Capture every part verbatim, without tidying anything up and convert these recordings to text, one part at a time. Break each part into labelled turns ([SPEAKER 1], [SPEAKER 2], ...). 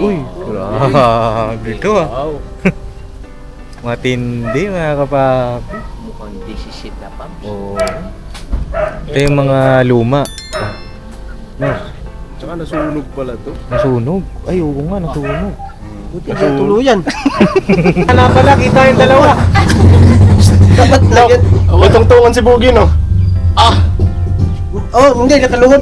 [SPEAKER 1] Uy, grabe ito ah.
[SPEAKER 2] Wow.
[SPEAKER 1] Matindi mga kapapi.
[SPEAKER 2] Mukhang disisit na pa.
[SPEAKER 1] Oo. Ito yung mga luma. No,
[SPEAKER 3] Tsaka nasunog pala to.
[SPEAKER 1] nasunog. Ay, oo nga, nasunog.
[SPEAKER 2] Buti na tuluyan.
[SPEAKER 1] Ano pala, kita yung dalawa.
[SPEAKER 2] Dapat lagyan.
[SPEAKER 3] May tungtungan si Boogie, no?
[SPEAKER 2] Oh, hindi, nakaluhod.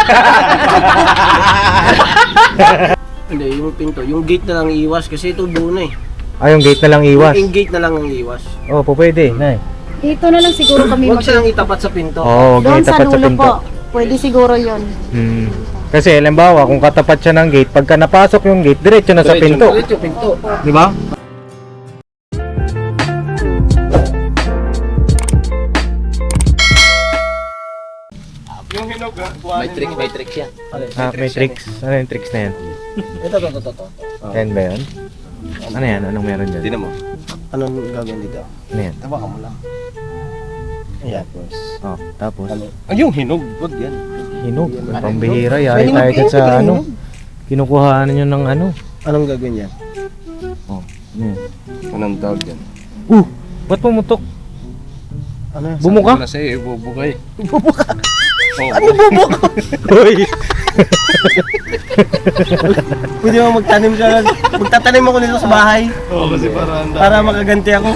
[SPEAKER 2] Hindi, yung pinto. Yung gate na lang iwas kasi ito buo na eh.
[SPEAKER 1] Ay, yung gate na lang iwas.
[SPEAKER 2] Yung gate na lang ang iwas.
[SPEAKER 1] Oo, po pwede, nay.
[SPEAKER 4] Dito na lang siguro kami
[SPEAKER 2] Huwag
[SPEAKER 4] mag-
[SPEAKER 2] silang itapat sa pinto.
[SPEAKER 1] Oo,
[SPEAKER 4] Doon
[SPEAKER 1] gate
[SPEAKER 4] sa
[SPEAKER 1] tapat sa
[SPEAKER 4] dulo
[SPEAKER 1] pinto.
[SPEAKER 4] po. Pwede siguro yon.
[SPEAKER 1] Hmm. Kasi, halimbawa, kung katapat siya ng gate, pagka napasok yung gate, diretso na sa pinto.
[SPEAKER 2] Diretso pinto.
[SPEAKER 1] Di ba?
[SPEAKER 3] Yung hinog, ha?
[SPEAKER 2] May trick, may trick siya.
[SPEAKER 1] Ah, may tricks. Ano yung tricks na yan?
[SPEAKER 2] Ito, ito, ito, ito.
[SPEAKER 1] Yan ba yan? Ano yan? Anong meron dyan?
[SPEAKER 3] Tignan mo.
[SPEAKER 2] Anong gagawin dito?
[SPEAKER 1] Ano yan?
[SPEAKER 2] Tawakan mo lang. Ayan.
[SPEAKER 1] Oh, tapos,
[SPEAKER 2] Ano?
[SPEAKER 3] Ay, yung hinog. Wag yan.
[SPEAKER 1] hinog. May pambihira. Yari
[SPEAKER 2] Hinog
[SPEAKER 1] tayo
[SPEAKER 2] eh,
[SPEAKER 1] dyan sa
[SPEAKER 2] biglang
[SPEAKER 1] ano.
[SPEAKER 2] hinog.
[SPEAKER 1] Kinukuhaan nyo ng ano.
[SPEAKER 2] Anong gagawin yan?
[SPEAKER 1] Oh, ano yan?
[SPEAKER 3] Anong tawag yan?
[SPEAKER 1] Uh! Ba't pumutok?
[SPEAKER 2] Ano yan?
[SPEAKER 1] Bumuka?
[SPEAKER 3] Sabi ko na sa'yo, ibubukay.
[SPEAKER 2] Bubuka.
[SPEAKER 3] Oo.
[SPEAKER 2] Ano bubuka?
[SPEAKER 1] Uy!
[SPEAKER 2] Pwede mo magtanim ka lang. Magtatanim ako nito sa bahay.
[SPEAKER 3] Oo, kasi para handa.
[SPEAKER 2] Para makaganti ako.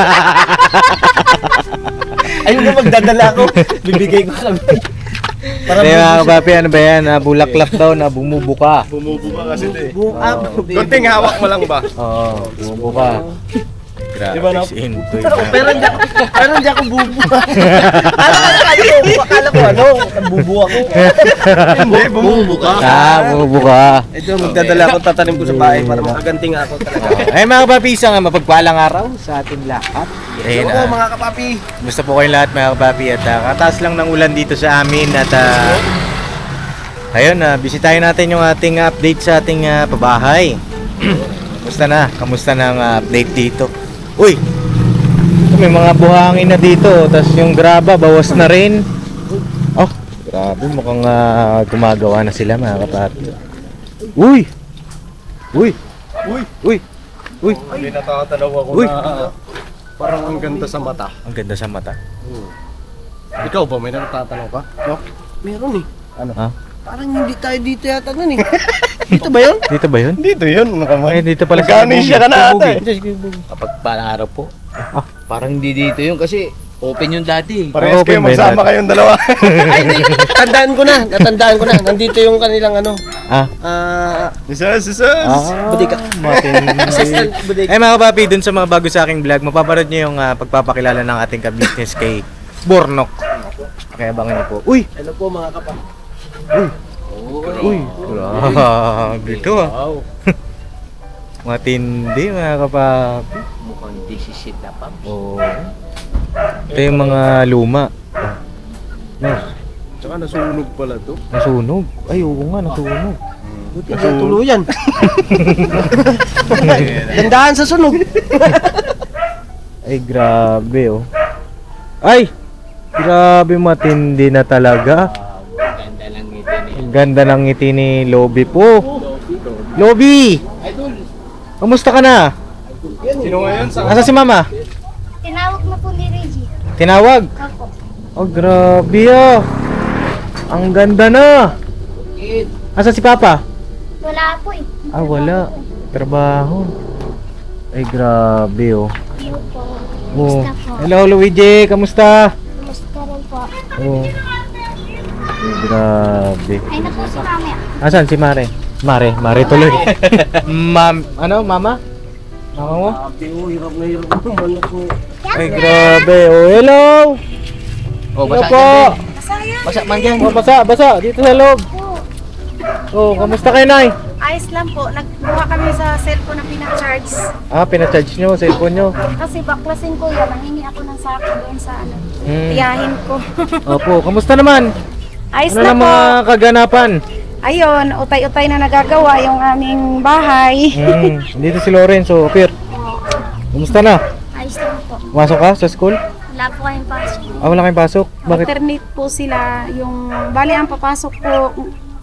[SPEAKER 2] Ayun na magdadala ako. Bibigay ko kami. Para
[SPEAKER 1] Kaya mga
[SPEAKER 2] mabubuka.
[SPEAKER 1] kapapi, ano ba yan? Ah, bulaklak daw na bumubuka.
[SPEAKER 3] Bumubuka kasi ito eh.
[SPEAKER 2] Buka.
[SPEAKER 3] Konting hawak mo lang ba?
[SPEAKER 1] Oo, bumubuka. Grabe,
[SPEAKER 2] Diba na-
[SPEAKER 1] si Intoy
[SPEAKER 2] Pero,
[SPEAKER 1] na.
[SPEAKER 2] pero hindi ako, pero hindi ako bubuka. Akala ko ano, akala ko ano, bubuka ko.
[SPEAKER 3] Hindi, bumubuka.
[SPEAKER 1] Ah, bumubuka.
[SPEAKER 2] Ito, magdadala ako, tatanim ko sa bahay para makaganti nga ako talaga.
[SPEAKER 1] Ay mga kapapi, isang mapagpalang araw sa ating lahat. Ayun,
[SPEAKER 2] Oo,
[SPEAKER 1] ah,
[SPEAKER 2] mga kapapi.
[SPEAKER 1] Gusto po kayong lahat mga kapapi at uh, kataas lang ng ulan dito sa amin at uh, ayun, uh, bisitahin natin yung ating update sa ating uh, pabahay. Kamusta na? Kamusta na ang uh, update dito? Uy! May mga buhangin na dito, tapos yung graba bawas na rin. Oh, grabe, mukhang uh, gumagawa na sila mga kapapi. Uy! Uy!
[SPEAKER 3] Uy!
[SPEAKER 1] Uy! Uy!
[SPEAKER 3] Hindi natatanaw ako
[SPEAKER 1] Uy!
[SPEAKER 3] na parang ang ganda sa mata.
[SPEAKER 1] Ang ganda sa mata.
[SPEAKER 3] Ikaw ba, may natatanaw ka? No?
[SPEAKER 2] Meron eh.
[SPEAKER 3] Ano?
[SPEAKER 1] Ha?
[SPEAKER 2] Parang hindi tayo dito yata nun eh. Dito ba yun?
[SPEAKER 1] Dito ba yun?
[SPEAKER 3] Dito yun,
[SPEAKER 1] Ay,
[SPEAKER 3] nakamay.
[SPEAKER 1] dito pala sa
[SPEAKER 3] Nagka-amnesia ka na ata eh.
[SPEAKER 2] Kapag pangarap po.
[SPEAKER 1] Ah.
[SPEAKER 2] Parang hindi dito yun kasi open yung dati.
[SPEAKER 3] Parehas
[SPEAKER 1] Open
[SPEAKER 3] kayo
[SPEAKER 1] ba yun
[SPEAKER 3] magsama
[SPEAKER 1] natin?
[SPEAKER 3] kayong dalawa.
[SPEAKER 2] Ay, hindi. Tandaan ko na. Natandaan ko na. Nandito yung kanilang ano.
[SPEAKER 1] Ah.
[SPEAKER 2] Ah,
[SPEAKER 3] Isas, isas!
[SPEAKER 1] Ah,
[SPEAKER 2] Budika. assistant
[SPEAKER 1] matindi.
[SPEAKER 2] budika.
[SPEAKER 1] Eh mga kapapi, dun sa mga bago sa aking vlog, mapapanood nyo yung ah, pagpapakilala ng ating ka-business kay Bornok. Kaya abangan nyo po. Uy!
[SPEAKER 2] Hello po mga kapan.
[SPEAKER 1] Uy! Grabe ito ah.
[SPEAKER 2] Wow.
[SPEAKER 1] Matindi mga kapapi.
[SPEAKER 2] Mukhang disisit na pa.
[SPEAKER 1] Oo. Ito yung mga luma. No,
[SPEAKER 3] Tsaka nasunog pala to.
[SPEAKER 1] nasunog. Ay, oo nga, nasunog.
[SPEAKER 2] Buti na tuluyan. Dandahan sa sunog.
[SPEAKER 1] Ay, grabe oh. Ay! Grabe, matindi na talaga.
[SPEAKER 2] Ganda lang ito eh.
[SPEAKER 1] Ang ganda ng ngiti ni Lobby po. Lobby! Kamusta ka na?
[SPEAKER 3] Sino ngayon? Sa
[SPEAKER 1] Asa si Mama?
[SPEAKER 4] Tinawag na po ni Reggie.
[SPEAKER 1] Tinawag?
[SPEAKER 4] Ako.
[SPEAKER 1] Oh, grabe ah. Ang ganda na. Asa si Papa?
[SPEAKER 4] Wala po eh.
[SPEAKER 1] Ah, wala. Trabaho. Ay, grabe oh.
[SPEAKER 4] Hello po.
[SPEAKER 1] Oh.
[SPEAKER 4] Kamusta po?
[SPEAKER 1] Hello, Luigi. Kamusta?
[SPEAKER 4] Kamusta rin po?
[SPEAKER 1] Oh. Ay, grabe.
[SPEAKER 4] Ay, naku si Mami.
[SPEAKER 1] Asan si Mare? Mare, Mare tuloy. Mam, ano, Mama? Mama mo?
[SPEAKER 2] Sabi ko, hirap na hirap ako. Manok ko.
[SPEAKER 1] Ay, grabe. Oh, hello.
[SPEAKER 2] Oh,
[SPEAKER 1] Hello
[SPEAKER 2] basa
[SPEAKER 1] po.
[SPEAKER 2] dyan,
[SPEAKER 4] Masaya
[SPEAKER 2] Basa man dyan.
[SPEAKER 1] Oh, basa, basa. Dito sa loob.
[SPEAKER 4] po.
[SPEAKER 1] Oh, kamusta kayo, Nay?
[SPEAKER 5] Ayos lang po. Nagbuha kami sa cellphone na pinaka-charge.
[SPEAKER 1] Ah, pinacharge nyo, cellphone nyo.
[SPEAKER 5] Kasi baklasin ko yan. Nangingi ako ng sako doon sa ano.
[SPEAKER 1] Hmm.
[SPEAKER 5] Tiyahin ko.
[SPEAKER 1] Opo, kamusta naman?
[SPEAKER 5] Ayos
[SPEAKER 1] Ano
[SPEAKER 5] na
[SPEAKER 1] na
[SPEAKER 5] po.
[SPEAKER 1] mga kaganapan?
[SPEAKER 5] Ayun, utay-utay na nagagawa yung aming bahay.
[SPEAKER 1] Hmm, dito si Lorenzo, Pir. Kamusta na?
[SPEAKER 4] Ayos lang po.
[SPEAKER 1] Pumasok ka sa school?
[SPEAKER 4] Wala po kayong pasok.
[SPEAKER 1] Ah, wala kayong pasok? Bakit?
[SPEAKER 5] Alternate po sila. Yung, bali ang papasok po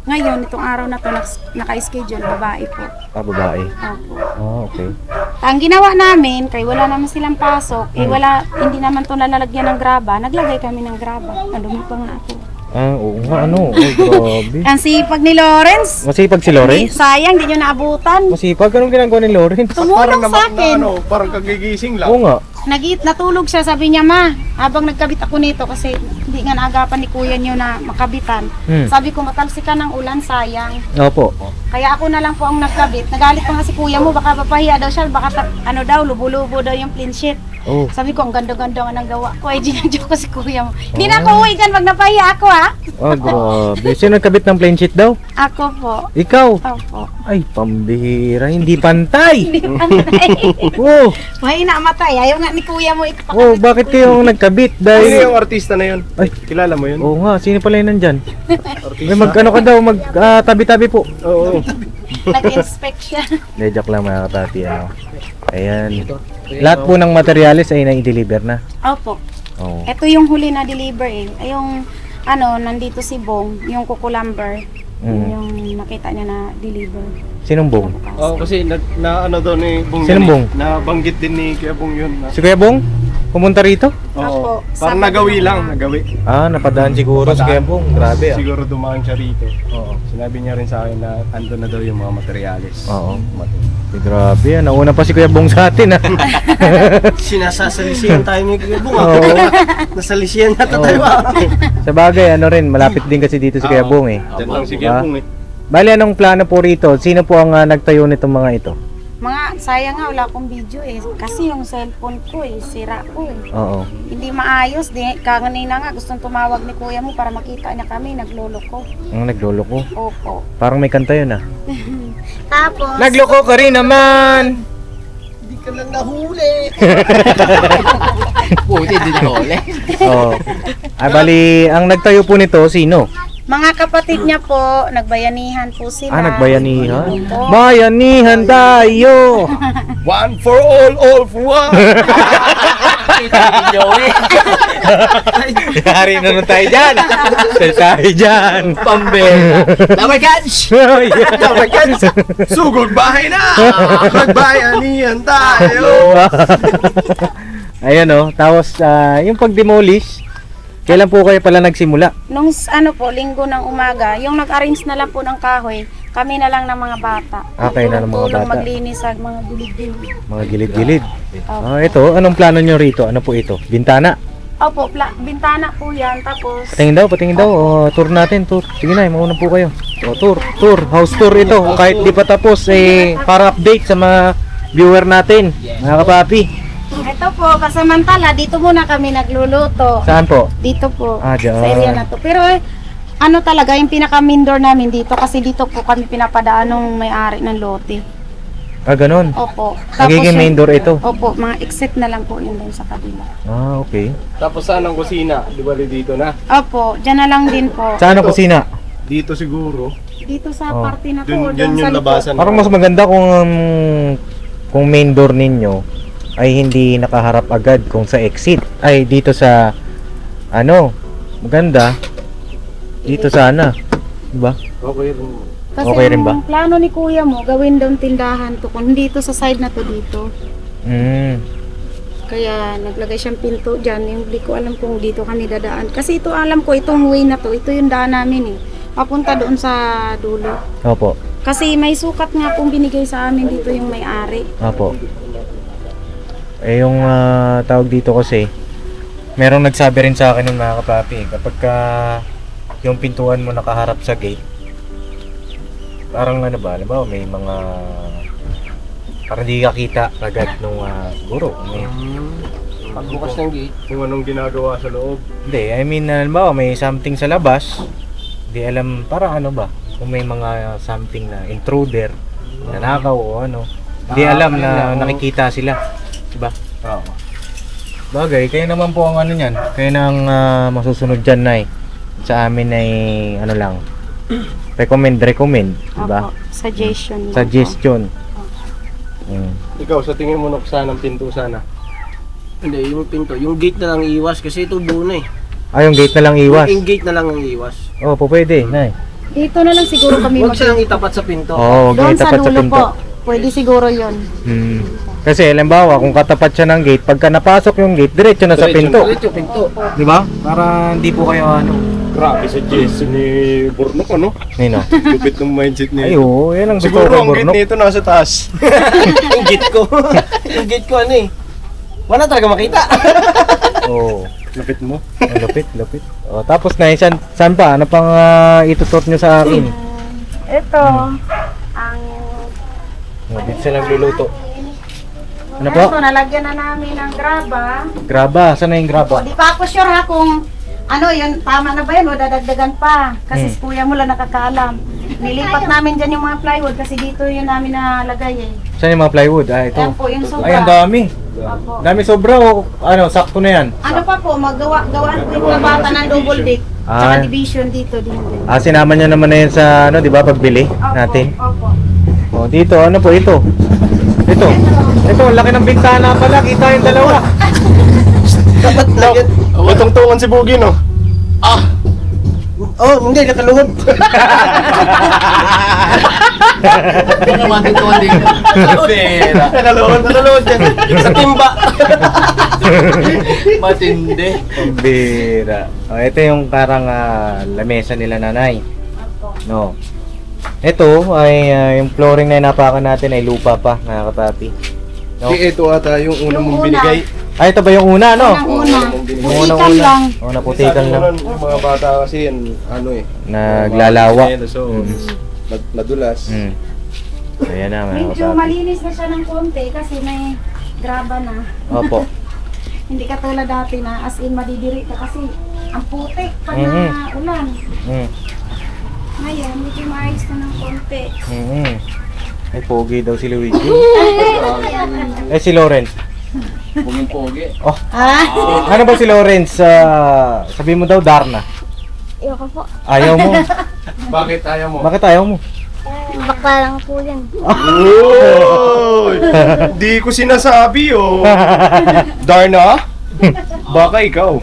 [SPEAKER 5] Ngayon, itong araw na to, nak- naka-schedule, babae po.
[SPEAKER 1] Ah, babae.
[SPEAKER 5] Opo.
[SPEAKER 1] Ah, okay.
[SPEAKER 5] Ang ginawa namin, kay wala naman silang pasok, eh
[SPEAKER 1] Hmm.
[SPEAKER 5] wala, hindi naman to nalalagyan ng graba, naglagay kami ng graba. Nadumi pa nga ako.
[SPEAKER 1] Ah, oo nga, ano. Ay, grabe.
[SPEAKER 5] Ang sipag ni Lawrence.
[SPEAKER 1] Masipag si
[SPEAKER 5] Di,
[SPEAKER 1] Lawrence?
[SPEAKER 5] sayang, di nyo naabutan.
[SPEAKER 1] Masipag? Anong ginagawa ni Lawrence?
[SPEAKER 5] Tumulong sa akin.
[SPEAKER 3] ano, parang kagigising lang.
[SPEAKER 1] Oo nga.
[SPEAKER 5] Nagit, natulog siya, sabi niya, ma, habang nagkabit ako nito kasi hindi nga naagapan ni kuya niyo na makabitan.
[SPEAKER 1] Hmm.
[SPEAKER 5] Sabi ko, matalsikan ng ulan, sayang.
[SPEAKER 1] Opo.
[SPEAKER 5] Kaya ako na lang po ang nagkabit. Nagalit pa nga si kuya mo, baka papahiya daw siya, baka ta- ano daw, lubo-lubo daw yung clean sheet.
[SPEAKER 1] Oh.
[SPEAKER 5] Sabi ko, ang ganda-ganda nga ng gawa ko. Ay, ginadyo ko si kuya mo. Hindi na ako uwi dyan, wag napahiya ako ha.
[SPEAKER 1] Ah, grabe. Sino nagkabit ng plain sheet daw?
[SPEAKER 5] Ako po.
[SPEAKER 1] Ikaw?
[SPEAKER 5] Opo.
[SPEAKER 1] Ay, pambihira. Hindi pantay.
[SPEAKER 5] Hindi pantay.
[SPEAKER 1] Oh,
[SPEAKER 5] Mahina matay. Ayaw nga ni kuya mo ipakabit.
[SPEAKER 1] oh, bakit kayo ang nagkabit?
[SPEAKER 3] Sino
[SPEAKER 1] Dahil...
[SPEAKER 3] yung artista na yun?
[SPEAKER 1] Ay.
[SPEAKER 3] Kilala mo yun?
[SPEAKER 1] Oo nga, sino pala yun nandyan?
[SPEAKER 3] Artista?
[SPEAKER 1] May mag ano ka daw, mag ah, tabi-tabi po.
[SPEAKER 3] Oo.
[SPEAKER 5] Nag-inspect siya.
[SPEAKER 1] Hindi, joke lang mga katati. Ano. Ayan. Lahat po ng materials ay na-deliver na.
[SPEAKER 5] Opo.
[SPEAKER 1] Oo.
[SPEAKER 5] Ito yung huli na deliver eh. Ay, yung ano, nandito si Bong, yung kukulamber.
[SPEAKER 1] Mm.
[SPEAKER 5] Yung nakita niya na deliver.
[SPEAKER 1] Sinong bong?
[SPEAKER 3] Oo, kasi na, na ano daw ni Bong
[SPEAKER 1] Sinong
[SPEAKER 3] yun eh.
[SPEAKER 1] Bong?
[SPEAKER 3] Nabanggit din ni Kuya Bong yun. Na,
[SPEAKER 1] Si Kuya Bong? Pumunta rito?
[SPEAKER 5] Opo.
[SPEAKER 3] Oo. Parang
[SPEAKER 5] Sabado
[SPEAKER 3] nagawi
[SPEAKER 5] na-
[SPEAKER 3] lang, nagawi.
[SPEAKER 1] Ah, napadaan siguro si Kuya Bong. Grabe ah.
[SPEAKER 3] Siguro dumaan siya rito.
[SPEAKER 1] Oo.
[SPEAKER 3] Sinabi niya rin sa akin na ando na daw yung mga materials.
[SPEAKER 1] Oo.
[SPEAKER 3] Mati-
[SPEAKER 1] Eh, grabe ah. Nauna pa si Kuya Bong sa atin ah.
[SPEAKER 3] Sinasasalisiyan tayo ni Kuya Bong.
[SPEAKER 1] Oo.
[SPEAKER 3] Nasalisiyan na
[SPEAKER 1] Oo.
[SPEAKER 3] tayo.
[SPEAKER 1] Sa bagay, ano rin, malapit din kasi dito si Kuya Bong eh.
[SPEAKER 3] Diyan lang si
[SPEAKER 1] Ah.
[SPEAKER 3] Kuya Bong eh.
[SPEAKER 1] Bali, anong plano po rito? Sino po ang ah, nagtayo nitong mga ito?
[SPEAKER 5] Mga, sayang nga, wala akong video eh. Kasi yung cellphone ko eh, sira ko eh.
[SPEAKER 1] Oo.
[SPEAKER 5] Hindi maayos. Di, kanina nga, gustong tumawag ni kuya mo para makita niya kami. Nagloloko.
[SPEAKER 1] Ang naglolo ko.
[SPEAKER 5] Opo.
[SPEAKER 1] Parang may kanta yun ah.
[SPEAKER 5] Tapos,
[SPEAKER 1] Nagloko ka rin naman!
[SPEAKER 3] Hindi ka lang nahuli.
[SPEAKER 2] Buti din ako ulit.
[SPEAKER 1] Oo. Ah, bali, ang nagtayo po nito, sino?
[SPEAKER 5] mga kapatid niya po, nagbayanihan po sila.
[SPEAKER 1] Ah, nagbayanihan?
[SPEAKER 5] Opo.
[SPEAKER 1] Bayanihan tayo!
[SPEAKER 3] One for all, all for one.
[SPEAKER 2] Joey.
[SPEAKER 1] Yari na nun tayo dyan! Sel tayo dyan!
[SPEAKER 2] Pambera. Damay catch.
[SPEAKER 3] Dapat yan. Sugod bahay na. Magbayanihan tayo.
[SPEAKER 1] Ayan o, tapos ah, yung pag-demolish, kailan po kayo pala nagsimula?
[SPEAKER 5] Nung s- ano po, linggo ng umaga, yung nag-arrange na lang po ng kahoy, kami na lang ng mga bata.
[SPEAKER 1] Ah, kayo na ng mga
[SPEAKER 5] Tulong
[SPEAKER 1] bata.
[SPEAKER 5] maglinis sa mga gilid-gilid.
[SPEAKER 1] Mga gilid-gilid.
[SPEAKER 5] Opo.
[SPEAKER 1] Ah, ito, anong plano nyo rito? Ano po ito? Bintana?
[SPEAKER 5] Opo, pla- bintana po yan. Tapos,
[SPEAKER 1] Patingin daw, patingin daw. O, tour natin, tour. Sige na, mauna po kayo. O, tour, tour, house tour ito. Kahit di pa tapos, eh, para update sa mga viewer natin, mga kapapi.
[SPEAKER 5] ito po, kasamantala, dito muna kami nagluluto.
[SPEAKER 1] Saan po?
[SPEAKER 5] Dito po,
[SPEAKER 1] Ah, dyan.
[SPEAKER 5] sa area na to. Pero, eh, ano talaga, yung pinaka-main door namin dito, kasi dito po kami pinapadaan ng may-ari ng lote.
[SPEAKER 1] Ah, ganun.
[SPEAKER 5] Opo.
[SPEAKER 1] Nagiging
[SPEAKER 5] yung-
[SPEAKER 1] main door ito.
[SPEAKER 5] Opo, mga exit na lang po yun doon sa kabila.
[SPEAKER 1] Ah, okay.
[SPEAKER 3] Tapos saan ang kusina? Di ba dito na?
[SPEAKER 5] Opo, dyan na lang din po.
[SPEAKER 1] Saan ang kusina?
[SPEAKER 3] Dito siguro.
[SPEAKER 5] Dito sa
[SPEAKER 1] Oh.
[SPEAKER 5] party na to,
[SPEAKER 3] Dun,
[SPEAKER 5] doon
[SPEAKER 3] yan
[SPEAKER 5] sa
[SPEAKER 3] yung
[SPEAKER 5] likod.
[SPEAKER 3] labasan.
[SPEAKER 1] Parang mas maganda kung um, kung main door ninyo ay hindi nakaharap agad kung sa exit. Ay, dito sa ano, maganda. Dito sana. Diba?
[SPEAKER 3] Okay rin.
[SPEAKER 5] Kasi
[SPEAKER 1] Okay rin ba?
[SPEAKER 5] ang plano ni kuya mo, gawin daw tindahan to. Kung dito sa side na to dito.
[SPEAKER 1] Mm.
[SPEAKER 5] Kaya naglagay siyang pinto dyan. Yung di ko alam kung dito kami dadaan. Kasi ito alam ko, itong way na to, ito yung daan namin eh. Papunta doon sa dulo.
[SPEAKER 1] Opo.
[SPEAKER 5] Kasi may sukat nga pong binigay sa amin dito yung may-ari.
[SPEAKER 1] Opo. Eh yung ah, tawag dito kasi, merong nagsabi rin sa akin ng mga kapapi, kapag ka yung pintuan mo nakaharap sa gate, parang ano ba, alam ba, may mga parang di ka kita agad nung ah, siguro. May,
[SPEAKER 2] Pagbukas ng gate.
[SPEAKER 3] Kung anong ginagawa sa loob.
[SPEAKER 1] hindi, I mean, alam ba, may something sa labas, di alam, para ano ba, kung may mga something na intruder, nanakaw o ano, di
[SPEAKER 3] Ah,
[SPEAKER 1] alam
[SPEAKER 3] ayun
[SPEAKER 1] na
[SPEAKER 3] lang.
[SPEAKER 1] nakikita sila. Diba?
[SPEAKER 3] Oo.
[SPEAKER 1] Bagay, kayo naman po ang ano niyan. Kayo na ang ah, masusunod dyan na eh. Sa amin ay ano lang. Recommend, recommend. Diba?
[SPEAKER 5] Opo, suggestion. lang po.
[SPEAKER 1] Suggestion. Mm.
[SPEAKER 3] Ikaw, sa tingin mo nuksan ang pinto sana?
[SPEAKER 2] Hindi, yung pinto. Yung gate na lang iwas kasi ito buo na eh.
[SPEAKER 1] Ah, yung gate na lang iwas.
[SPEAKER 2] Yung gate na lang ang iwas.
[SPEAKER 1] Oh, po pwede, nay.
[SPEAKER 5] Dito na lang siguro kami
[SPEAKER 2] Huwag
[SPEAKER 5] mag-
[SPEAKER 2] silang itapat sa pinto.
[SPEAKER 1] Oo,
[SPEAKER 5] Doon
[SPEAKER 1] gate
[SPEAKER 5] sa
[SPEAKER 1] tapat sa
[SPEAKER 5] dulo
[SPEAKER 1] pinto.
[SPEAKER 5] po. Pwede siguro yon.
[SPEAKER 1] Hmm. Kasi halimbawa, kung katapat siya ng gate, pagka napasok yung gate, diretso na sa pinto.
[SPEAKER 2] Diretso, pinto.
[SPEAKER 1] Di ba? Para hindi po kayo ano.
[SPEAKER 3] Grabe suggestion ni Bornok, ano?
[SPEAKER 1] Nino.
[SPEAKER 3] Lupit ng mindset
[SPEAKER 1] Ay,
[SPEAKER 3] niya.
[SPEAKER 1] oo, yan ang gusto
[SPEAKER 3] Siguro
[SPEAKER 1] ko
[SPEAKER 3] ang gate
[SPEAKER 1] Bornok.
[SPEAKER 3] nito nasa taas.
[SPEAKER 2] Yung gate ko. Yung gate ko ano eh. Wala talaga makita.
[SPEAKER 1] Oo.
[SPEAKER 3] Lupit mo.
[SPEAKER 1] Ang lupit, lupit. O, tapos na, saan, saan pa? Ano pang uh, itutot nyo sa akin?
[SPEAKER 5] Ito, ang
[SPEAKER 1] O, dito sila nagluluto. Ano po?
[SPEAKER 5] Ito, nalagyan na namin ng graba.
[SPEAKER 1] Graba, saan na yung graba?
[SPEAKER 5] Di pa ako sure ha kung ano yun, tama na ba yun o dadagdagan pa. Kasi
[SPEAKER 1] Hmm.
[SPEAKER 5] si kuya mo lang nakakaalam. Nilipat namin dyan yung mga plywood kasi dito yun namin nalagay eh.
[SPEAKER 1] Saan yung mga plywood? Ah, ito.
[SPEAKER 5] Ayan po, yung sobra.
[SPEAKER 1] Ay, ang dami.
[SPEAKER 5] Opo.
[SPEAKER 1] Dami sobra o ano, sakto na yan?
[SPEAKER 5] Ano pa po, magawa gawaan ko yung mga bata ng double deck.
[SPEAKER 1] Ah.
[SPEAKER 5] Tsaka division dito din din.
[SPEAKER 1] Ah, sinama nyo naman na yan sa ano, di ba, pagbili
[SPEAKER 5] Opo,
[SPEAKER 1] natin.
[SPEAKER 5] Opo.
[SPEAKER 1] O, dito, ano po ito? Ito. Ito, ang laki ng bintana pala. Kita yung dalawa.
[SPEAKER 2] Dapat
[SPEAKER 3] No,
[SPEAKER 2] lagyan.
[SPEAKER 3] utong-tungan si Bugi, no?
[SPEAKER 2] Oh, hindi, nakaluhod.
[SPEAKER 3] Hindi naman dito, hindi. Pera.
[SPEAKER 2] Nakaluhod, nakaluhod yan. Sa timba.
[SPEAKER 3] Matindi.
[SPEAKER 1] Pambira. O, ito yung parang ah, lamesa nila nanay. No. Ito ay ah, yung flooring na inapakan natin ay lupa pa, mga kapapi. No?
[SPEAKER 3] Di, ito ata yung una
[SPEAKER 5] Yung
[SPEAKER 3] mong
[SPEAKER 5] una.
[SPEAKER 3] binigay.
[SPEAKER 1] Ay, ito ba yung una, no?
[SPEAKER 5] Unang una,
[SPEAKER 1] Yung
[SPEAKER 5] putikan
[SPEAKER 1] unang-una.
[SPEAKER 5] lang.
[SPEAKER 1] O, naputikan
[SPEAKER 3] Sabi
[SPEAKER 1] lang.
[SPEAKER 3] mo nun, Yung mga bata kasi yan, ano eh.
[SPEAKER 1] Naglalawa.
[SPEAKER 3] So,
[SPEAKER 1] Mm.
[SPEAKER 3] mad- madulas.
[SPEAKER 1] Hmm. So, yan na, mga
[SPEAKER 5] Medyo
[SPEAKER 1] kapapi.
[SPEAKER 5] malinis na siya ng konti kasi may graba na.
[SPEAKER 1] Opo.
[SPEAKER 5] Hindi katulad dati na as in madidiri ka kasi ang putik pag
[SPEAKER 1] Mhm.
[SPEAKER 5] na ulan.
[SPEAKER 1] Hmm.
[SPEAKER 5] Ngayon, medyo maayos na ng konti.
[SPEAKER 1] Mm-hmm. Ay, pogi daw si Luigi. Eh, si Lawrence.
[SPEAKER 3] Puging-pogi.
[SPEAKER 1] Oh,
[SPEAKER 5] Ah?
[SPEAKER 1] ano ba si Lawrence? Ah, sabi mo daw, Darna.
[SPEAKER 4] Ayoko po.
[SPEAKER 1] Ayaw mo.
[SPEAKER 3] Bakit ayaw mo?
[SPEAKER 1] Bakit ayaw mo?
[SPEAKER 4] Bakla lang po yan.
[SPEAKER 3] Uy! Di ko sinasabi, oh. Darna? Baka ikaw.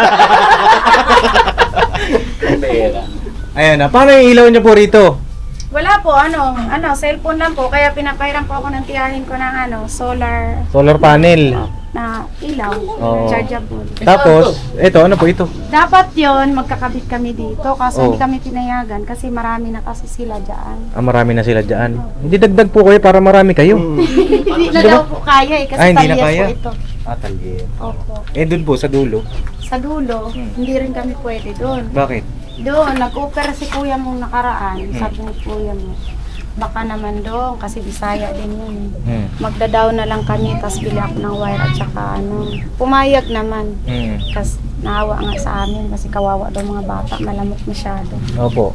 [SPEAKER 1] Ayan na. Paano yung ilaw niya po rito?
[SPEAKER 5] Wala po, ano, ano, cellphone lang po. Kaya pinapahiram po ako ng tiyahin ko ng ano, solar
[SPEAKER 1] Solar panel.
[SPEAKER 5] na ilaw,
[SPEAKER 1] Oo.
[SPEAKER 5] chargeable.
[SPEAKER 1] Tapos, ito, ano po ito?
[SPEAKER 5] Dapat yon magkakabit kami dito kaso
[SPEAKER 1] Oo.
[SPEAKER 5] hindi kami pinayagan kasi marami na kasi sila dyan.
[SPEAKER 1] Ah, marami na sila dyan. Hindi dagdag po kayo para marami kayo.
[SPEAKER 5] Hindi na daw po kaya eh kasi
[SPEAKER 1] Ah, hindi na
[SPEAKER 5] talyas
[SPEAKER 1] kaya?
[SPEAKER 5] po ito.
[SPEAKER 1] Ah, talye.
[SPEAKER 5] Opo.
[SPEAKER 1] Eh, dun po, sa dulo.
[SPEAKER 5] Sa dulo,
[SPEAKER 1] Hmm.
[SPEAKER 5] hindi rin kami pwede doon.
[SPEAKER 1] Bakit?
[SPEAKER 5] Doon, nag-offer si kuya mong nakaraan.
[SPEAKER 1] Hmm.
[SPEAKER 5] Sabi ni kuya mo, baka naman doon kasi Bisaya din yun.
[SPEAKER 1] Hmm.
[SPEAKER 5] Magdadaw na lang kami, tapos bili ako ng wire at saka ano. Pumayag naman.
[SPEAKER 1] Hmm.
[SPEAKER 5] Kasi naawa nga sa amin kasi kawawa daw mga bata, malamot masyado.
[SPEAKER 1] Opo.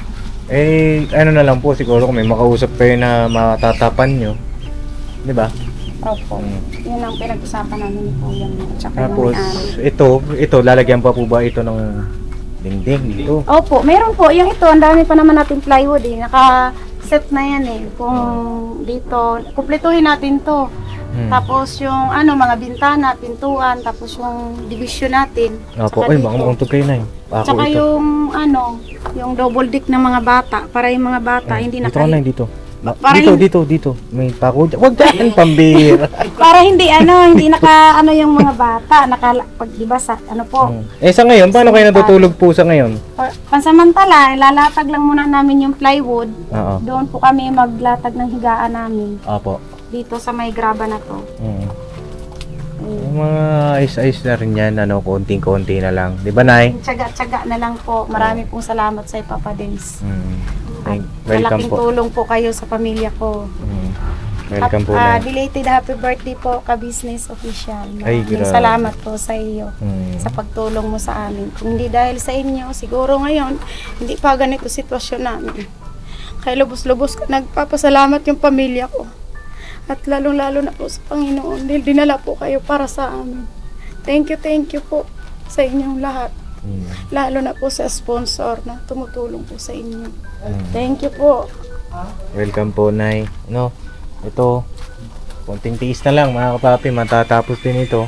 [SPEAKER 1] Eh, ano na lang po, siguro kung may makausap kayo na matatapan nyo. Di ba?
[SPEAKER 5] Opo.
[SPEAKER 1] Hmm.
[SPEAKER 5] Yun ang pinag-usapan namin ni kuya mo at saka
[SPEAKER 1] Tapos,
[SPEAKER 5] yung may-ari.
[SPEAKER 1] ito, ito, lalagyan pa po ba ito ng dingding dito?
[SPEAKER 5] Opo, meron po. Yung ito, ang dami pa naman natin plywood eh. Naka-set na yan eh. Kung dito, kumpletuhin natin to.
[SPEAKER 1] Hmm.
[SPEAKER 5] Tapos yung ano, mga bintana, pintuan, tapos yung division natin.
[SPEAKER 1] Opo,
[SPEAKER 5] Tsaka
[SPEAKER 1] ay,
[SPEAKER 5] dito.
[SPEAKER 1] baka makuntog kayo na eh. Ako
[SPEAKER 5] Tsaka
[SPEAKER 1] ito.
[SPEAKER 5] yung ano, yung double deck ng mga bata, para yung mga bata
[SPEAKER 1] Hmm.
[SPEAKER 5] hindi na
[SPEAKER 1] Dito ka
[SPEAKER 5] kaya.
[SPEAKER 1] lang, dito. Ma-
[SPEAKER 5] Para
[SPEAKER 1] dito,
[SPEAKER 5] hindi-
[SPEAKER 1] dito, dito. May pako dyan. Huwag dyan, pambira.
[SPEAKER 5] Para hindi ano, hindi naka ano yung mga bata, naka pag di ba sa ano po.
[SPEAKER 1] Hmm. Eh, sa ngayon, paano kayo natutulog po sa ngayon?
[SPEAKER 5] Pa- Pansamantala, lalatag lang muna namin yung plywood.
[SPEAKER 1] Oo.
[SPEAKER 5] Doon po kami maglatag ng higaan namin
[SPEAKER 1] Opo.
[SPEAKER 5] dito sa may graba na to.
[SPEAKER 1] Hmm.
[SPEAKER 5] Ayun.
[SPEAKER 1] Yung mga ayos-ayos na rin yan, ano, konting-konti na lang. Di ba, Nay?
[SPEAKER 5] Tsaga-tsaga na lang po. Marami pong salamat sa Papa Dins.
[SPEAKER 1] Hmm.
[SPEAKER 5] At
[SPEAKER 1] Thank- Welcome
[SPEAKER 5] malaking
[SPEAKER 1] po.
[SPEAKER 5] tulong po kayo sa pamilya ko.
[SPEAKER 1] Hmm. Welcome po,
[SPEAKER 5] Ah,
[SPEAKER 1] Nay.
[SPEAKER 5] belated happy birthday po, ka-business official.
[SPEAKER 1] Ay,
[SPEAKER 5] Maraming
[SPEAKER 1] grabe.
[SPEAKER 5] salamat po sa iyo
[SPEAKER 1] Hmm.
[SPEAKER 5] sa pagtulong mo sa amin. Kung hindi dahil sa inyo, siguro ngayon, hindi pa ganito sitwasyon namin. Kaya lubos-lubos ko nagpapasalamat yung pamilya ko. At lalong-lalo na po sa Panginoon dahil dinala po kayo para sa amin. Thank you, thank you po sa inyong lahat.
[SPEAKER 1] Hmm.
[SPEAKER 5] Lalo na po sa sponsor na tumutulong po sa inyo.
[SPEAKER 1] Hmm.
[SPEAKER 5] Thank you po.
[SPEAKER 1] Welcome po, Nay. No, ito, konting tiis na lang, mga kapapi, matatapos din ito.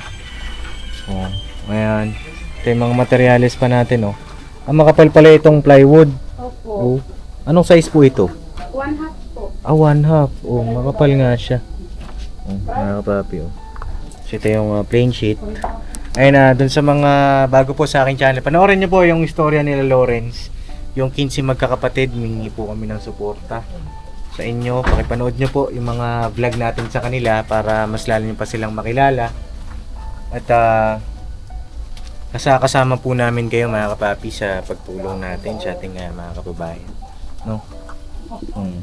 [SPEAKER 1] Oh, ayan. Ito yung mga materials pa natin, oh. Ang makapal pala itong plywood.
[SPEAKER 5] Opo.
[SPEAKER 1] Oh, Anong size po ito?
[SPEAKER 5] One half po.
[SPEAKER 1] Ah, one half. Oh, makapal nga siya. Oh, mga kapapi, oh. So, ito yung uh, plain sheet. Ayun na, dun sa mga bago po sa aking channel, panoorin niyo po yung istorya nila Lawrence. Yung quinze magkakapatid, mingi po kami ng suporta sa inyo. Pakipanood niyo po yung mga vlog natin sa kanila para mas lalo niyo pa silang makilala. At uh, kasama po namin kayo mga kapapi sa pagtulong natin sa ating uh, mga kababayan. No? Hmm.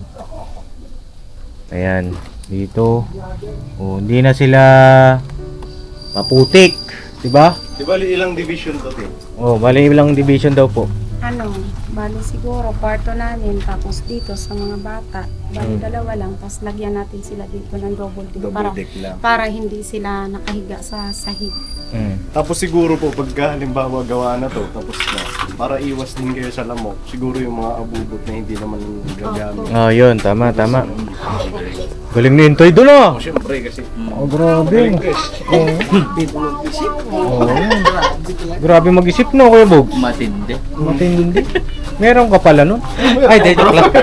[SPEAKER 1] Ayan, dito. Oh, hindi na sila maputik, 'di ba?
[SPEAKER 3] Di ba ilang division to, te?
[SPEAKER 1] Oh, bali ilang division daw po.
[SPEAKER 5] Ano, bali siguro, kwarto namin, tapos dito sa mga bata, bali
[SPEAKER 1] Hmm.
[SPEAKER 5] dalawa lang, tapos lagyan natin sila dito ng double deck,
[SPEAKER 3] Double
[SPEAKER 5] para,
[SPEAKER 3] deck lang.
[SPEAKER 5] para hindi sila nakahiga sa sahig.
[SPEAKER 1] Mm.
[SPEAKER 3] Tapos siguro po, pagka halimbawa gawa na to, tapos na, para iwas din kayo sa lamok, siguro yung mga abubot na hindi naman gagamit.
[SPEAKER 1] Oh, yun, tama, tama. Galing ni Intoy doon ah.
[SPEAKER 3] Siyempre kasi,
[SPEAKER 1] Oh, grabe. Oh. Grabe mag-isip no, Kuya Bog.
[SPEAKER 2] Matindi.
[SPEAKER 1] Matindi. Meron ka pala nun? Ay, di, joke lang.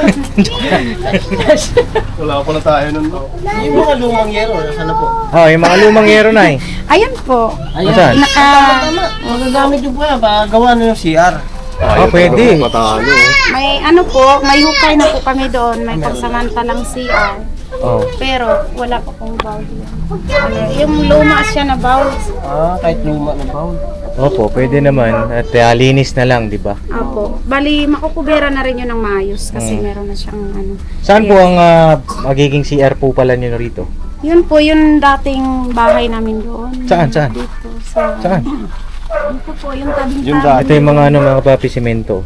[SPEAKER 3] wala pa na tayo nun. No?
[SPEAKER 2] Yung mga lumang yero, nasa na po?
[SPEAKER 1] Oh, yung mga lumang yero na eh.
[SPEAKER 5] Ayan po,
[SPEAKER 1] Asan?
[SPEAKER 5] naka,
[SPEAKER 2] Tama, magagamit yung po yan, para gawa na yung C R.
[SPEAKER 1] Oh, pwede.
[SPEAKER 3] Patalo.
[SPEAKER 5] may ano po, may hukay na po kami doon, may pagsamantalang C R.
[SPEAKER 1] Oh.
[SPEAKER 5] Pero wala pa pong bowl yan. Ano, yung luma siya na bowl.
[SPEAKER 2] Ah, kahit luma na bowl.
[SPEAKER 1] Opo, pwede naman. At uh, linis na lang, di ba?
[SPEAKER 5] Apo. Bali, makukubera na rin yun ng maayos kasi
[SPEAKER 1] Mm.
[SPEAKER 5] meron na siyang ano.
[SPEAKER 1] Saan po
[SPEAKER 5] yes.
[SPEAKER 1] ang uh, magiging C R po pala nyo rito?
[SPEAKER 5] Yun po, yung dating bahay namin doon.
[SPEAKER 1] Saan, saan?
[SPEAKER 5] Dito sa...
[SPEAKER 1] Saan?
[SPEAKER 5] Dito po, yung tabing
[SPEAKER 3] Yung
[SPEAKER 5] tabi.
[SPEAKER 1] Ito yung mga ano, mga papi semento.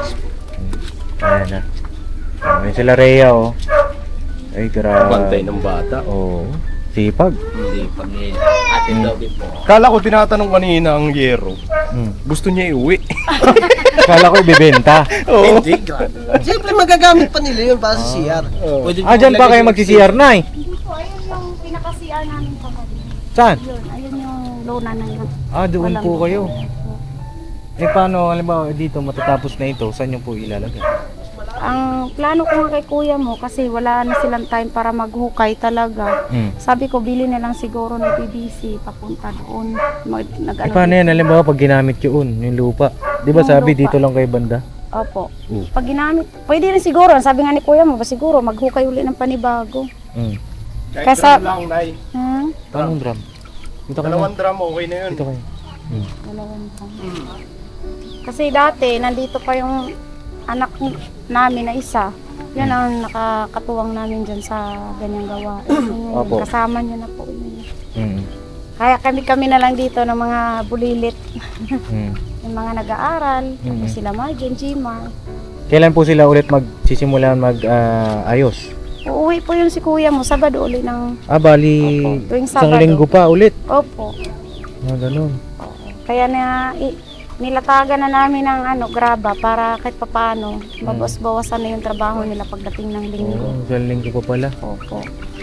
[SPEAKER 1] Ayan na. Ayan sila Rhea, oh. Ay, grabe.
[SPEAKER 3] Bantay ng bata.
[SPEAKER 1] Oo. Sipag.
[SPEAKER 2] Hindi, pag atin daw din po.
[SPEAKER 3] Kala ko tinatanong kanina ang yero.
[SPEAKER 1] Hmm.
[SPEAKER 3] Gusto niya iuwi.
[SPEAKER 1] Kala ko ibibenta.
[SPEAKER 3] Oo.
[SPEAKER 2] Hindi, grabe. Siyempre magagamit pa nila yun para sa C R. Pwede
[SPEAKER 1] Ah, dyan pa kayo magsi-C R na eh.
[SPEAKER 5] Hindi po, ayun yung pinaka-C R namin pa kami.
[SPEAKER 1] Saan?
[SPEAKER 5] Yun, ayun yung lona na yun.
[SPEAKER 1] Ah, doon
[SPEAKER 5] Walang-
[SPEAKER 1] po kayo. Eh, paano, halimbawa, dito matatapos na ito, saan nyo po ilalagay?
[SPEAKER 5] Ang plano ko nga kay kuya mo, kasi wala na silang time para maghukay talaga.
[SPEAKER 1] Hmm.
[SPEAKER 5] Sabi ko, bili na lang siguro ng P V C papunta doon. Mag, nag,
[SPEAKER 1] Eh, paano yan? Halimbawa, pag ginamit yun, yung lupa. Di ba
[SPEAKER 5] Yung
[SPEAKER 1] sabi
[SPEAKER 5] lupa.
[SPEAKER 1] dito lang kay banda?
[SPEAKER 5] Opo.
[SPEAKER 1] Oo.
[SPEAKER 5] Pag ginamit, pwede rin siguro. Sabi nga ni kuya mo, ba siguro maghukay uli ng panibago.
[SPEAKER 1] Hmm.
[SPEAKER 3] Kahit
[SPEAKER 5] Kasa-
[SPEAKER 3] drum lang, Nay.
[SPEAKER 5] Ha?
[SPEAKER 1] Anong drum? Dito kayo.
[SPEAKER 3] Dalawang drum, okay na yun.
[SPEAKER 1] Dito kayo. Hmm.
[SPEAKER 5] Dalawang taon. Kasi dati, nandito pa yung anak n- namin na isa. Yan ang nakakatuwang namin dyan sa ganyang gawa.
[SPEAKER 1] Opo.
[SPEAKER 5] Kasama niyo na po yun.
[SPEAKER 1] Hmm.
[SPEAKER 5] Kaya kami-kami na lang dito ng mga bulilit.
[SPEAKER 1] Hmm.
[SPEAKER 5] Yung mga nag-aaral, tapos
[SPEAKER 1] Mhm.
[SPEAKER 5] sila Margen, Gmar.
[SPEAKER 1] Kailan po sila ulit magsisimulan mag-ayos?
[SPEAKER 5] Uuwi po yung si kuya mo, Sabado uli ng...
[SPEAKER 1] ah, bali,
[SPEAKER 5] Opo, tuwing
[SPEAKER 1] isang
[SPEAKER 5] Sabado.
[SPEAKER 1] linggo pa ulit.
[SPEAKER 5] Opo.
[SPEAKER 1] Ah, ganun.
[SPEAKER 5] Kaya na i, nilatagan na namin ng ano, graba para kahit papaano, mabawas-bawasan na yung trabaho nila pagdating ng linggo.
[SPEAKER 1] Oo, isang linggo pa pala.
[SPEAKER 5] Opo.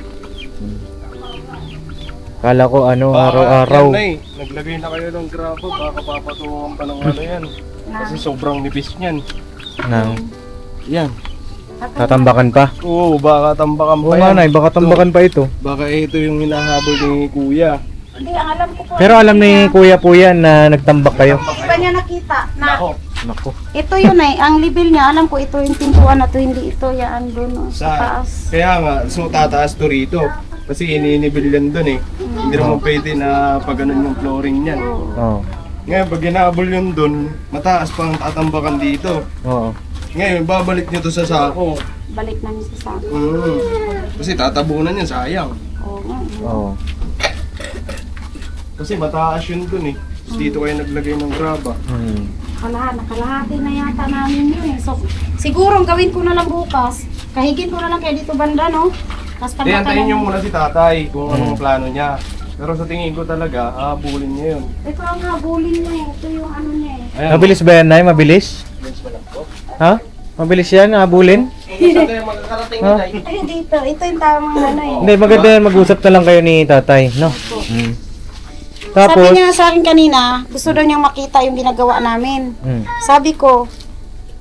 [SPEAKER 1] Kala ko ano,
[SPEAKER 3] Baka,
[SPEAKER 1] araw-araw.
[SPEAKER 3] yan, Nay, naglagay na kayo ng grabo, baka papatungan pa ng ano yan. Kasi sobrang nipis niyan.
[SPEAKER 1] Nang
[SPEAKER 3] Yan.
[SPEAKER 1] tatambakan pa.
[SPEAKER 3] Oo, baka tambakan pa
[SPEAKER 1] Oo
[SPEAKER 3] yan.
[SPEAKER 1] nga, Nay, baka tambakan pa ito.
[SPEAKER 3] Baka ito yung hinahabol ni Kuya.
[SPEAKER 5] Hindi, ang alam ko po.
[SPEAKER 1] Pero alam ni Kuya po yan na nagtambak kayo.
[SPEAKER 5] Hindi pa niya nakita na
[SPEAKER 1] Nako.
[SPEAKER 5] ito yun eh, ang libil niya, alam ko ito yung pintuan na to, hindi ito yan doon no, sa taas.
[SPEAKER 3] Kaya nga, so tataas to rito. Kasi ininibil yan dun eh. Hindi naman pwede na pag ganun yung flooring niyan.
[SPEAKER 1] Oo.
[SPEAKER 3] Ngayon, pag ginabol yun dun, mataas pang tatambakan dito.
[SPEAKER 1] Oo.
[SPEAKER 3] Ngayon, babalik nyo to sa sako.
[SPEAKER 5] Balik namin sa sako.
[SPEAKER 3] Mm. Kasi tatabunan yan, sayang.
[SPEAKER 5] Oo nga.
[SPEAKER 1] Oo.
[SPEAKER 3] Kasi mataas yun dun eh. Tapos dito kayo naglagay ng graba.
[SPEAKER 1] Hmm.
[SPEAKER 5] Kalahat, nakalahati na yata namin yun eh. So, siguro ang gawin ko na lang bukas, kahigin ko na lang kayo dito banda, no? Tapos
[SPEAKER 3] Hindi, antayin nyo
[SPEAKER 5] pagkakalang...
[SPEAKER 3] muna si tatay kung anong plano niya. Pero sa tingin ko talaga, habulin niya yun.
[SPEAKER 5] Ito ang habulin niya eh. Ito yung ano niya eh.
[SPEAKER 3] Ayan.
[SPEAKER 1] Mabilis ba yan, Nay? Mabilis? Ha? Mabilis yan, habulin?
[SPEAKER 2] Saan kayo magkakarating
[SPEAKER 1] Ha?
[SPEAKER 2] na tayo?
[SPEAKER 5] Ayun dito, ito yung tamang ano eh.
[SPEAKER 1] Hindi, maganda yan. Mag-usap na lang kayo ni tatay, no? Hmm.
[SPEAKER 5] Sabi
[SPEAKER 1] Tapos,
[SPEAKER 5] niya sa akin kanina, gusto daw niyang makita yung ginagawa namin.
[SPEAKER 1] hmm.
[SPEAKER 5] Sabi ko,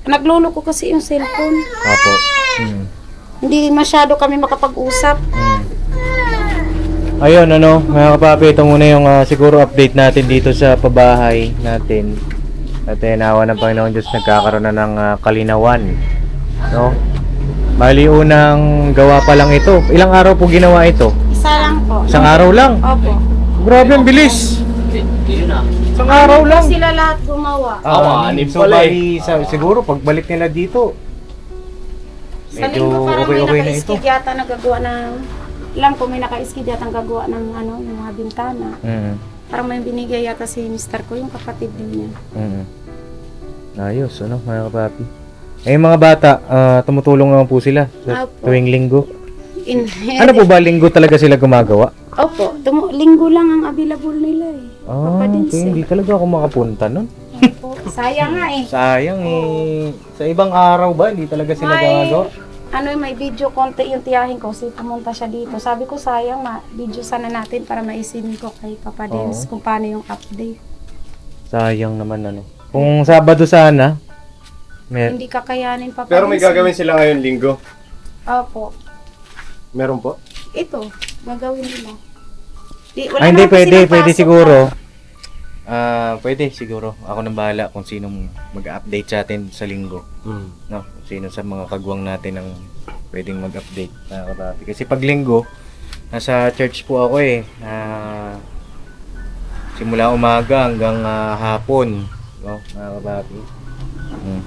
[SPEAKER 5] Nagluloko kasi yung cellphone.
[SPEAKER 1] Opo. Mm.
[SPEAKER 5] Hindi masyado kami makapag-usap.
[SPEAKER 1] Mm. Ayun, ano, mga kapapi, ito muna yung ah, siguro update natin dito sa pabahay natin. At eh, nawa ng Panginoon Diyos, nagkakaroon na ng ah, kalinawan. No? Bali, unang gawa pa lang ito. Ilang araw po ginawa ito?
[SPEAKER 5] Isa lang po.
[SPEAKER 1] Isang araw lang.
[SPEAKER 5] Opo.
[SPEAKER 1] Grabe, ang bilis. Isang araw lang.
[SPEAKER 5] Sila lahat gumawa.
[SPEAKER 1] Ah,
[SPEAKER 3] anim
[SPEAKER 1] so,
[SPEAKER 3] pala
[SPEAKER 1] bali, sa, siguro, pagbalik nila dito,
[SPEAKER 5] Sa
[SPEAKER 1] medyo
[SPEAKER 5] linggo parang may
[SPEAKER 1] okay-okay na ito.
[SPEAKER 5] naka-skid yata nagagawa ng... Alam ko may naka-skid yata nagagawa ng ano, yung mga bintana.
[SPEAKER 1] Mm.
[SPEAKER 5] Parang may binigay yata si mister ko, yung kapatid din niya.
[SPEAKER 1] Mm. Ayos, ano, mga kapapi. Eh, yung mga bata, ah, tumutulong naman po sila sa
[SPEAKER 5] Opo.
[SPEAKER 1] tuwing linggo.
[SPEAKER 5] In,
[SPEAKER 1] Ano po ba, linggo talaga sila gumagawa?
[SPEAKER 5] Opo, tumu- linggo lang ang available nila eh.
[SPEAKER 1] Ah,
[SPEAKER 5] Papa din
[SPEAKER 1] okay, hindi talaga ako makapunta nun.
[SPEAKER 5] Opo. Sayang nga eh.
[SPEAKER 1] Sayang eh. Sa ibang araw ba, hindi talaga sila
[SPEAKER 5] May,
[SPEAKER 1] gumagawa?
[SPEAKER 5] ano eh, may video konti yung tiyahin ko, kasi pumunta siya dito. Sabi ko sayang, ma video sana natin para maisin ko kay Papa Dins kung paano yung update.
[SPEAKER 1] Sayang naman, ano. Kung Sabado sana, may...
[SPEAKER 5] Hindi kakayanin Papa
[SPEAKER 3] Pero may
[SPEAKER 5] Dins.
[SPEAKER 3] gagawin sila ngayon linggo.
[SPEAKER 5] Opo.
[SPEAKER 3] Meron po?
[SPEAKER 5] Ito, gagawin nila. Di, wala
[SPEAKER 1] Ah, hindi,
[SPEAKER 5] naman kasi
[SPEAKER 1] pwede,
[SPEAKER 5] silang
[SPEAKER 1] pwede
[SPEAKER 5] pasok,
[SPEAKER 1] siguro. Ah, pwede siguro. Ako nang bahala kung sinong mag-update sa atin sa linggo.
[SPEAKER 3] Hmm.
[SPEAKER 1] No, kung sino sa mga kagwang natin ang pwedeng mag-update na kapapi. Kasi pag linggo, nasa church po ako eh. Ah, simula umaga hanggang ah, hapon. No, mga kapapi. Hmm.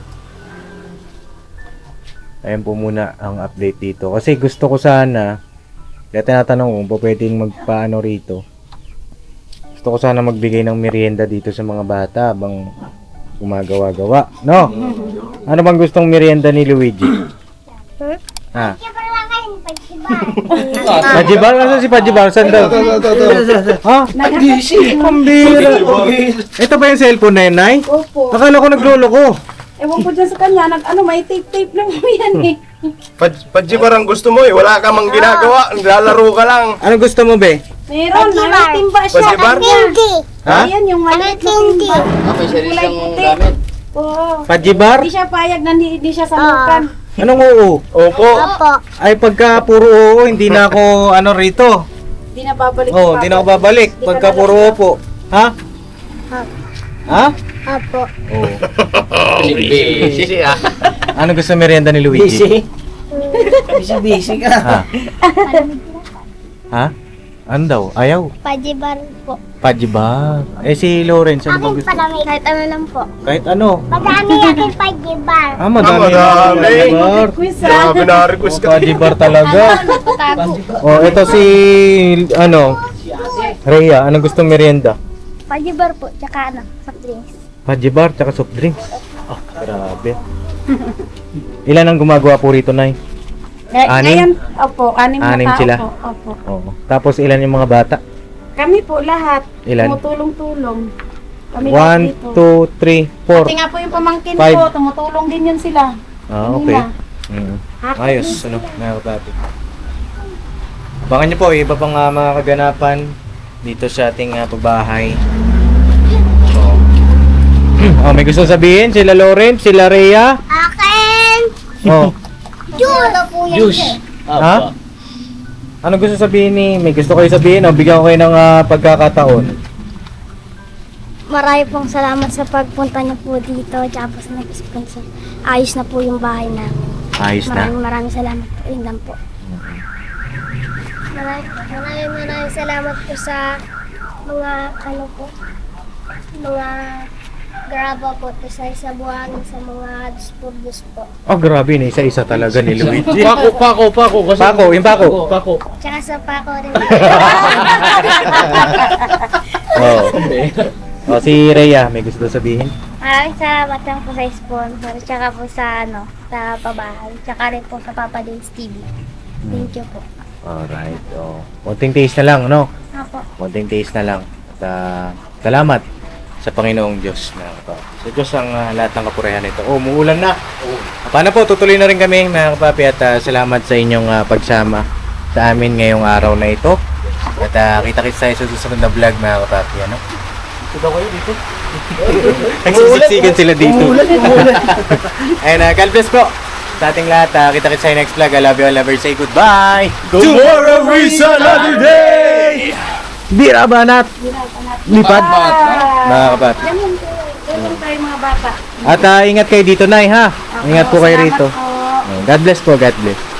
[SPEAKER 1] Ayan po muna ang update dito. Kasi gusto ko sana, kaya tinatanong kung po pwedeng magpaano rito. Gusto ko sana magbigay ng merienda dito sa mga bata habang gumagawa-gawa. No? Ano bang gustong merienda ni Luigi? Ha? Pajibar? Nasaan si Pajibar? Saan daw? Ha? Pambira. Ito ba yung cellphone na yun, Nay?
[SPEAKER 5] Opo.
[SPEAKER 1] Akala ko nagloloko.
[SPEAKER 5] Ewan ko dyan sa kanya, nag, ano, may tape-tape lang mo yan eh.
[SPEAKER 3] Padji parang gusto mo eh. Wala ka mang ginagawa. Naglalaro ka lang.
[SPEAKER 1] Ano gusto mo, be?
[SPEAKER 5] Meron, may timba siya.
[SPEAKER 3] Pajibar?
[SPEAKER 4] Hindi.
[SPEAKER 1] Ha?
[SPEAKER 5] Ayan, yung maliit na timba.
[SPEAKER 2] May sarili
[SPEAKER 5] Kulay
[SPEAKER 2] siyang
[SPEAKER 5] puti.
[SPEAKER 2] gamit.
[SPEAKER 5] Oo.
[SPEAKER 1] Pajibar?
[SPEAKER 5] Hindi siya payag na hindi, hindi siya salukan.
[SPEAKER 1] Anong oo?
[SPEAKER 3] Opo.
[SPEAKER 4] Opo.
[SPEAKER 1] Ay, pagka puro oo, hindi na ako ano rito.
[SPEAKER 5] Hindi na babalik.
[SPEAKER 1] Oo, oh,
[SPEAKER 5] si
[SPEAKER 1] hindi
[SPEAKER 5] Papa.
[SPEAKER 1] na ako babalik.
[SPEAKER 5] Hindi ka
[SPEAKER 1] Pagka
[SPEAKER 5] na
[SPEAKER 1] puro
[SPEAKER 5] lang-
[SPEAKER 1] opo. Ha? Ha?
[SPEAKER 4] Opo.
[SPEAKER 1] Oo.
[SPEAKER 2] Busy ah.
[SPEAKER 1] Ano gusto merienda ni Luigi?
[SPEAKER 2] Busy? Busy, busy ka.
[SPEAKER 1] Ha? Ha? Ano daw? Ayaw?
[SPEAKER 4] Pajibar po.
[SPEAKER 1] Pajibar. Eh si Lawrence, ano ba
[SPEAKER 4] Akin
[SPEAKER 1] gusto?
[SPEAKER 4] padami. Kahit ano lang po.
[SPEAKER 1] Kahit ano.
[SPEAKER 4] Madami akin pajibar.
[SPEAKER 1] Ah, madami.
[SPEAKER 3] Ah, madami.
[SPEAKER 1] Pajibar.
[SPEAKER 5] Quiz ah.
[SPEAKER 3] Grabe na-request
[SPEAKER 1] Oh,
[SPEAKER 3] ka.
[SPEAKER 1] pajibar talaga.
[SPEAKER 4] Patago.
[SPEAKER 1] Oh, ito si, ano, Rhea, anong gustong merienda?
[SPEAKER 4] Pajibar po. Tsaka ano, soft drinks.
[SPEAKER 1] Pajibar, tsaka soft drinks. Oh, grabe. Ilan ang gumagawa po rito, Nay?
[SPEAKER 5] Ngay-
[SPEAKER 1] Anim?
[SPEAKER 5] Ngayon, opo, anim na
[SPEAKER 1] Anim
[SPEAKER 5] tao
[SPEAKER 1] sila?
[SPEAKER 5] po. Opo.
[SPEAKER 1] Oo. Tapos ilan yung mga bata?
[SPEAKER 5] Kami po lahat.
[SPEAKER 1] Ilan?
[SPEAKER 5] Tumutulong-tulong. Kami lahat
[SPEAKER 1] One,
[SPEAKER 5] dito.
[SPEAKER 1] two, three, four.
[SPEAKER 5] Pati nga po yung pamangkin
[SPEAKER 1] Five.
[SPEAKER 5] ko, tumutulong din yun sila.
[SPEAKER 1] Ah,
[SPEAKER 5] Kanina.
[SPEAKER 1] okay. Mm. Ayos, ano, mga kapatid. Abangan niyo po, iba pang ah, mga kaganapan dito sa ating uh, pagbahay. So, oh, may gusto sabihin? Sila Lawrence, sila Rhea?
[SPEAKER 4] Akin!
[SPEAKER 1] Oh,
[SPEAKER 4] Juice! po yan.
[SPEAKER 2] Juice.
[SPEAKER 1] ha? Ano gusto sabihin ni? May gusto kayo sabihin? O bigyan ko kayo ng ah, pagkakataon.
[SPEAKER 4] Marami pong salamat sa pagpunta niyo po dito. Tsaka po sa nag-sponsor. Ayos na po yung bahay namin.
[SPEAKER 1] Ayos na.
[SPEAKER 4] Maraming maraming salamat po. Yun lang po. Maraming maraming maraming salamat po sa mga ano po. Mga graba po to sa isa buwan sa mga dispurdos po.
[SPEAKER 1] Oh, grabe na. Isa-isa talaga ni Luigi.
[SPEAKER 2] Pako, pako, pako. Kasi
[SPEAKER 1] Pako, yung pako.
[SPEAKER 2] Pako.
[SPEAKER 4] Tsaka sa pako rin.
[SPEAKER 1] Oh. Oh, si Rhea, may gusto sabihin?
[SPEAKER 4] Maraming salamat lang po sa sponsor. Tsaka po sa ano, sa pabahay. Tsaka rin po sa Papa Dins T V. Thank you po.
[SPEAKER 1] Alright. Oh. Konting taste na lang, no?
[SPEAKER 4] Apo.
[SPEAKER 1] Konting taste na lang. At ah, salamat sa Panginoong Diyos na ito. Sa Diyos ang ah, lahat ng kapurihan nito. Oh, umuulan na. Paano po, tutuloy na rin kami mga kapapi at ah, salamat sa inyong ah, pagsama sa amin ngayong araw na ito. At uh, kita-kits tayo sa susunod na vlog mga kapapi. Ano?
[SPEAKER 2] Ito kayo dito.
[SPEAKER 1] Nagsisiksikan sila dito.
[SPEAKER 2] Umuulan, umuulan.
[SPEAKER 1] Ayun na, God bless po sa ating lahat. ah. Kita-kita sa next vlog. I love you all. Never say goodbye.
[SPEAKER 3] Tomorrow is another day!
[SPEAKER 1] Bira banat. Lipad. Mga kabat.
[SPEAKER 5] Ganun po. Ganun tayo mga bata.
[SPEAKER 1] At ah, ingat kayo dito, Nay, ha? Ingat po kayo
[SPEAKER 5] Salamat
[SPEAKER 1] rito.
[SPEAKER 5] po.
[SPEAKER 1] God bless po. God bless.